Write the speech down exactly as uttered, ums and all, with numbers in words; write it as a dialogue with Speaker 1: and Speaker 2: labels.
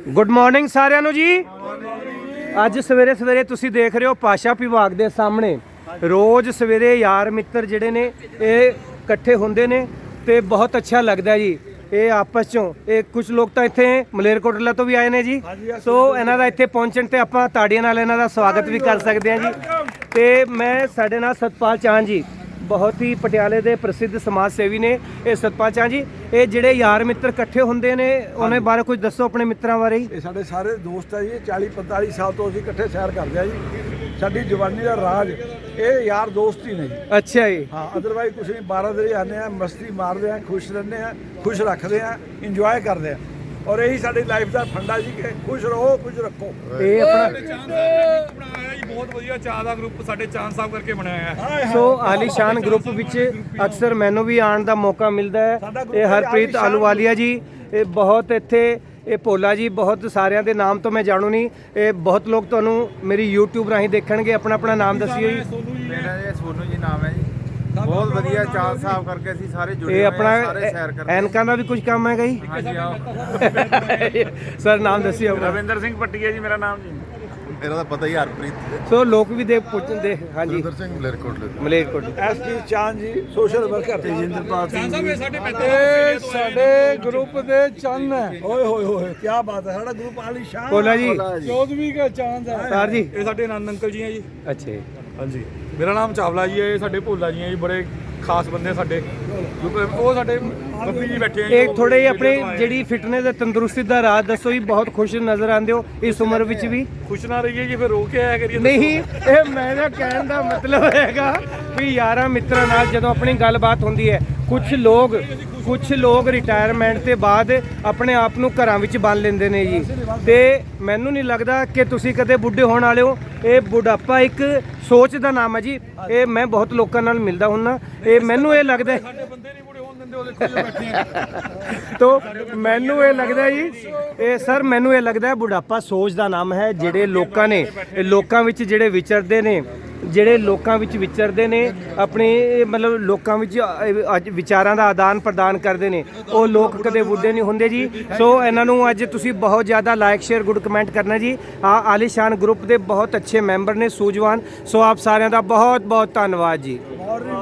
Speaker 1: Good morning ਸਾਰਿਆਂ ਨੂੰ ਜੀ। ਅੱਜ ਸਵੇਰੇ ਸਵੇਰੇ ਤੁਸੀਂ ਦੇਖ ਰਹੇ ਹੋ ਭਾਸ਼ਾ ਵਿਭਾਗ ਦੇ ਸਾਹਮਣੇ ਰੋਜ਼ ਸਵੇਰੇ ਯਾਰ ਮਿੱਤਰ ਜਿਹੜੇ ਨੇ ਇਹ ਇਕੱਠੇ ਹੁੰਦੇ ਨੇ ਤੇ ਬਹੁਤ ਅੱਛਾ ਲੱਗਦਾ ਜੀ। ਇਹ ਆਪਸ ਚੋਂ ਇਹ ਕੁਝ ਲੋਕ ਤਾਂ ਇੱਥੇ ਮਲੇਰਕੋਟਲਾ ਤੋਂ ਵੀ ਆਏ ਨੇ ਜੀ, ਸੋ ਇਹਨਾਂ ਦਾ ਇੱਥੇ ਪਹੁੰਚਣ ਤੇ ਆਪਾਂ ਤਾੜੀਆਂ ਨਾਲ ਇਹਨਾਂ ਦਾ ਸਵਾਗਤ ਵੀ ਕਰ ਸਕਦੇ ਹਾਂ ਜੀ। ਤੇ ਮੈਂ ਸਾਡੇ ਨਾਲ ਸਤਪਾਲ ਚਾਹਨ ਜੀ, ਬਹੁਤ ਹੀ ਪਟਿਆਲੇ ਦੇ ਪ੍ਰਸਿੱਧ ਸਮਾਜ ਸੇਵੀ ਨੇ। ਇਹ ਸਤਪਾਲ ਚਾਹਨ ਜੀ, ਇਹ ਜਿਹੜੇ ਯਾਰ ਮਿੱਤਰ ਇਕੱਠੇ ਹੁੰਦੇ ਨੇ ਉਹਨਾਂ ਬਾਰੇ ਕੁਝ ਦੱਸੋ ਆਪਣੇ ਮਿੱਤਰਾਂ ਬਾਰੇ।
Speaker 2: ਇਹ ਸਾਡੇ ਸਾਰੇ ਦੋਸਤ ਆ ਜੀ, ਚਾਲੀ ਪੰਤਾਲੀ ਸਾਲ ਤੋਂ ਅਸੀਂ ਇਕੱਠੇ ਸੈਰ ਕਰਦੇ ਆ ਜੀ। ਸਾਡੀ ਜਵਾਨੀ ਦਾ ਰਾਜ ਇਹ ਯਾਰ ਦੋਸਤ ਹੀ ਨੇ ਜੀ।
Speaker 1: ਅੱਛਾ ਜੀ।
Speaker 2: ਹਾਂ, ਅਦਰਵਾਈਜ਼ ਕੁਛ ਨਹੀਂ। ਬਾਰਾਂ ਦਿਨ ਆਉਂਦੇ ਆ, ਮਸਤੀ ਮਾਰਦੇ ਆ, ਖੁਸ਼ ਰਹਿੰਦੇ ਆ, ਖੁਸ਼ ਰੱਖਦੇ ਆ, ਇੰਜੋਏ ਕਰਦੇ ਆ। ਔਰ ਇਹੀ ਸਾਡੀ ਲਾਈਫ ਦਾ ਫੰਡਾ ਜੀ ਕਿ ਖੁਸ਼ ਰਹੋ, ਖੁਸ਼ ਰੱਖੋ।
Speaker 1: ਇਹ ਆਪਣਾ
Speaker 3: ਬਣਾਇਆ ਜੀ, ਬਹੁਤ ਵਧੀਆ ਚਾਹ ਦਾ ਗਰੁੱਪ ਸਾਡੇ ਚਾਂਦ ਸਾਹਿਬ ਕਰਕੇ ਬਣਾਇਆ ਹੈ।
Speaker 1: ਸੋ ਆਲੀਸ਼ਾਨ ਗਰੁੱਪ ਵਿੱਚ ਅਕਸਰ ਮੈਨੂੰ ਵੀ ਆਉਣ ਦਾ ਮੌਕਾ ਮਿਲਦਾ ਹੈ। ਇਹ ਹਰਪ੍ਰੀਤ ਆਲੂਵਾਲੀਆ ਜੀ, ਇਹ ਬਹੁਤ ਇੱਥੇ ਇਹ ਭੋਲਾ ਜੀ, ਬਹੁਤ ਸਾਰਿਆਂ ਦੇ ਨਾਮ ਤੋਂ ਮੈਂ ਜਾਣੂ ਨਹੀਂ। ਇਹ ਬਹੁਤ ਲੋਕ ਤੁਹਾਨੂੰ ਮੇਰੀ YouTube ਰਾਹੀਂ ਦੇਖਣਗੇ। ਆਪਣਾ ਆਪਣਾ ਨਾਮ ਦੱਸਿਓ ਜੀ।
Speaker 4: ਮੇਰਾ ਇਹ ਸੋਨੂ ਜੀ ਨਾਮ ਹੈ ਜੀ। ਬਹੁਤ ਵਧੀਆ ਚਾਲ ਸਾਹਿਬ ਕਰਕੇ ਅਸੀਂ ਸਾਰੇ ਜੁੜੇ
Speaker 1: ਇਹ
Speaker 4: ਹੋਏ
Speaker 1: ਆਪਣਾ
Speaker 4: ਹਾਂ, ਸਾਰੇ ਸੈਰ ਕਰਦੇ
Speaker 1: ਐਨਕਾਂ ਦਾ ਵੀ ਕੁਝ ਕੰਮ ਹੈਗਾ ਜੀ।
Speaker 4: ਹਾਂਜੀ ਆਓ।
Speaker 1: ਸਰ ਨਾਮ ਦੱਸਿਓ ਆਪਣਾ।
Speaker 4: ਰਵਿੰਦਰ ਸਿੰਘ ਪੱਟੀਆ ਜੀ ਮੇਰਾ ਨਾਮ ਜੀ।
Speaker 5: ਮੇਰਾ ਤਾਂ ਪਤਾ ਹੀ ਹਰਪ੍ਰੀਤ
Speaker 1: ਸੋ ਲੋਕ ਵੀ ਦੇ ਪੁੱਛਦੇ ਹਾਂਜੀ
Speaker 5: ਸੁਰਿੰਦਰ ਸਿੰਘ ਮਲੇਰਕੋਟਲੇ ਤੋਂ।
Speaker 1: ਮਲੇਰਕੋਟਲਾ।
Speaker 2: ਐਸ ਪੀ ਚਾਂਦ ਜੀ, ਸੋਸ਼ਲ ਵਰਕਰ ਤੇਜਿੰਦਰਪਾਲ ਸਿੰਘ ਜੀ।
Speaker 3: ਸਾਡੇ
Speaker 2: ਇਹ ਸਾਡੇ ਗਰੁੱਪ ਦੇ ਚੰਨ ਹੈ। ਓਏ ਹੋਏ ਹੋਏ ਕੀ ਬਾਤ ਹੈ। ਸਾਡਾ ਗਰੁੱਪ ਆਲੀਸ਼ਾਨ
Speaker 1: ਭੋਲਾ ਜੀ,
Speaker 2: ਚੌਦਵੀਂ ਦਾ ਚਾਂਦ ਹੈ
Speaker 1: ਸਰ ਜੀ।
Speaker 3: ਇਹ ਸਾਡੇ ਆਨੰਦ ਅੰਕਲ ਜੀ ਹੈ ਜੀ।
Speaker 1: ਅੱਛਾ ਜੀ।
Speaker 3: ਹਾਂਜੀ, ਮੇਰਾ ਨਾਮ ਚਾਵਲਾ ਜੀ ਹੈ। ਇਹ ਸਾਡੇ ਭੋਲਾ ਜੀ ਹੈ ਜੀ, ਬੜੇ ਖਾਸ ਬੰਦੇ ਸਾਡੇ। ਕਿਉਂਕਿ ਉਹ ਸਾਡੇ ਬੱਬੀ ਜੀ ਬੈਠੇ ਆ ਜੀ।
Speaker 1: ਇਹ ਥੋੜੇ ਆਪਣੇ ਜਿਹੜੀ ਫਿਟਨੈਸ ਤੇ ਤੰਦਰੁਸਤੀ ਦਾ ਰਾਜ ਦੱਸੋ ਜੀ। ਬਹੁਤ ਖੁਸ਼ ਨਜ਼ਰ ਆਉਂਦੇ ਹੋ ਇਸ ਉਮਰ ਵਿੱਚ ਵੀ।
Speaker 3: ਖੁਸ਼ ਨਾ ਰਹੀਏ ਜੀ, ਫਿਰ ਰੋ ਕੇ ਆਇਆ ਕਰੀਏ।
Speaker 1: ਨਹੀਂ, ਇਹ ਮੇਰਾ ਕਹਿਣ ਦਾ ਮਤਲਬ ਹੈਗਾ ਵੀ ਯਾਰਾਂ ਮਿੱਤਰਾਂ ਨਾਲ ਜਦੋਂ ਆਪਣੀ ਗੱਲਬਾਤ ਹੁੰਦੀ ਹੈ, ਕੁਝ ਲੋਕ ਕੁਝ ਲੋਕ ਰਿਟਾਇਰਮੈਂਟ ਤੇ ਬਾਅਦ ਆਪਣੇ ਆਪ ਨੂੰ ਘਰਾਂ ਵਿੱਚ ਬੰਨ ਲੈਂਦੇ ਨੇ ਜੀ। ਤੇ ਮੈਨੂੰ ਨਹੀਂ ਲੱਗਦਾ ਕਿ ਤੁਸੀਂ ਕਦੇ ਬੁੱਢੇ ਹੋਣ ਵਾਲੇ ਹੋ। ਇਹ ਬੁਢਾਪਾ ਇੱਕ ਸੋਚ ਦਾ ਨਾਮ ਹੈ ਜੀ। ਇਹ ਮੈਂ ਬਹੁਤ ਲੋਕਾਂ ਨਾਲ ਮਿਲਦਾ ਹੁੰਦਾ, ਇਹ ਮੈਨੂੰ ਇਹ ਲੱਗਦਾ ਹੈ
Speaker 3: ਸਾਡੇ ਬੰਦੇ ਨਹੀਂ ਬੁੜੇ ਹੋਣ ਦਿੰਦੇ। ਉਹ ਦੇਖੋ ਜੀ ਬੈਠੇ ਆ।
Speaker 1: ਤੋ ਮੈਨੂੰ ਇਹ ਲੱਗਦਾ ਜੀ, ਇਹ ਸਰ ਮੈਨੂੰ ਇਹ ਲੱਗਦਾ ਬੁਢਾਪਾ ਸੋਚ ਦਾ ਨਾਮ ਹੈ। ਜਿਹੜੇ ਲੋਕਾਂ ਨੇ ਇਹ ਲੋਕਾਂ ਵਿੱਚ ਜਿਹੜੇ ਵਿਚਰਦੇ ਨੇ ਜਿਹੜੇ ਲੋਕਾਂ ਵਿੱਚ ਵਿਚਰਦੇ ਨੇ ਆਪਣੇ ਮਤਲਬ ਲੋਕਾਂ ਵਿੱਚ ਅੱਜ ਵਿਚਾਰਾਂ ਦਾ ਆਦਾਨ ਪ੍ਰਦਾਨ ਕਰਦੇ ਨੇ, ਉਹ ਲੋਕ ਕਦੇ ਬੁੱਢੇ ਨਹੀਂ ਹੁੰਦੇ ਜੀ। ਸੋ ਇਹਨਾਂ ਨੂੰ ਅੱਜ ਤੁਸੀਂ ਬਹੁਤ ਜ਼ਿਆਦਾ ਲਾਈਕ ਸ਼ੇਅਰ ਗੁੱਡ ਕਮੈਂਟ ਕਰਨਾ ਜੀ। ਆ ਆਲੀਸ਼ਾਨ ਗਰੁੱਪ ਦੇ ਬਹੁਤ ਅੱਛੇ ਮੈਂਬਰ ਨੇ, ਸੂਝਵਾਨ। ਸੋ ਆਪ ਸਾਰਿਆਂ ਦਾ ਬਹੁਤ ਬਹੁਤ ਧੰਨਵਾਦ ਜੀ।